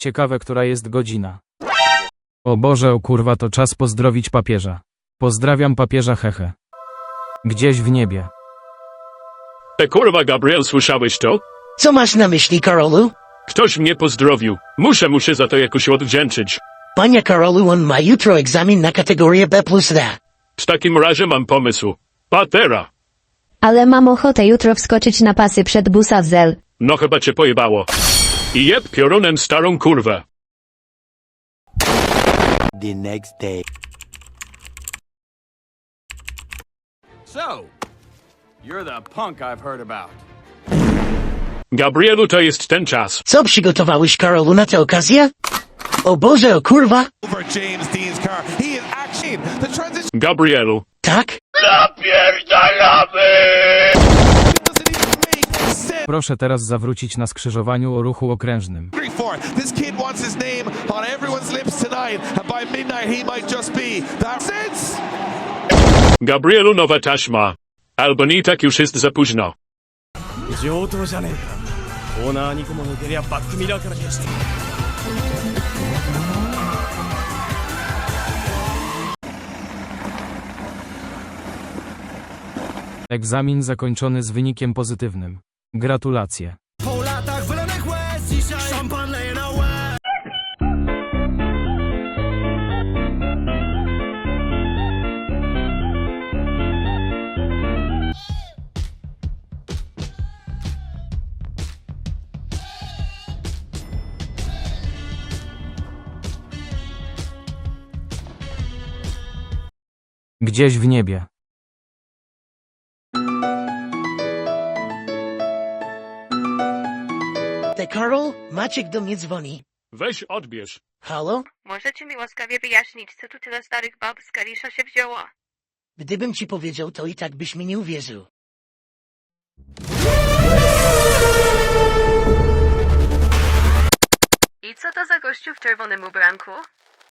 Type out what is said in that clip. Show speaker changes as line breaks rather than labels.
Ciekawe, która jest godzina. O Boże, o kurwa, to czas pozdrowić papieża. Pozdrawiam papieża, hehe. Gdzieś w niebie.
Kurwa, Gabriel, słyszałeś to?
Co masz na myśli, Karolu?
Ktoś mnie pozdrowił. Muszę za to jakoś odwdzięczyć.
Panie Karolu, on ma jutro egzamin na kategorię B+D.
W takim razie mam pomysł. Patera.
Ale mam ochotę jutro wskoczyć na pasy przed busa Zel.
No chyba cię pojebało. I jeb piorunem starą kurwę.
The next day.
So, you're the punk I've heard about.
Gabrielu, to jest ten czas.
Co przygotowałeś, Karolu, na tę okazję? O Boże, o kurwa!
Over James Dean's car. He is actually the transition
Gabrielu.
Tak?
doesn't even make sense.
Proszę teraz zawrócić na skrzyżowaniu o ruchu okrężnym.
For this kid wants his name on everyone's lips tonight, and by midnight he might just be. That sense.
Gabrielu, nowa taśma. Albo nie, tak już jest za późno.
上等じゃねえか。オーナー2個も抜けりゃバックミラーから消して。
Egzamin zakończony z wynikiem pozytywnym. Gratulacje.
Po latach wylanych łez dzisiaj szampan leje na łez.
Gdzieś w niebie.
Te Karol, Maciek do mnie dzwoni.
Weź odbierz.
Halo?
Możecie mi łaskawie wyjaśnić, co tu tyle starych bab z Kalisza się wzięło?
Gdybym ci powiedział, to i tak byś mi nie uwierzył.
I co to za gościu w czerwonym ubranku?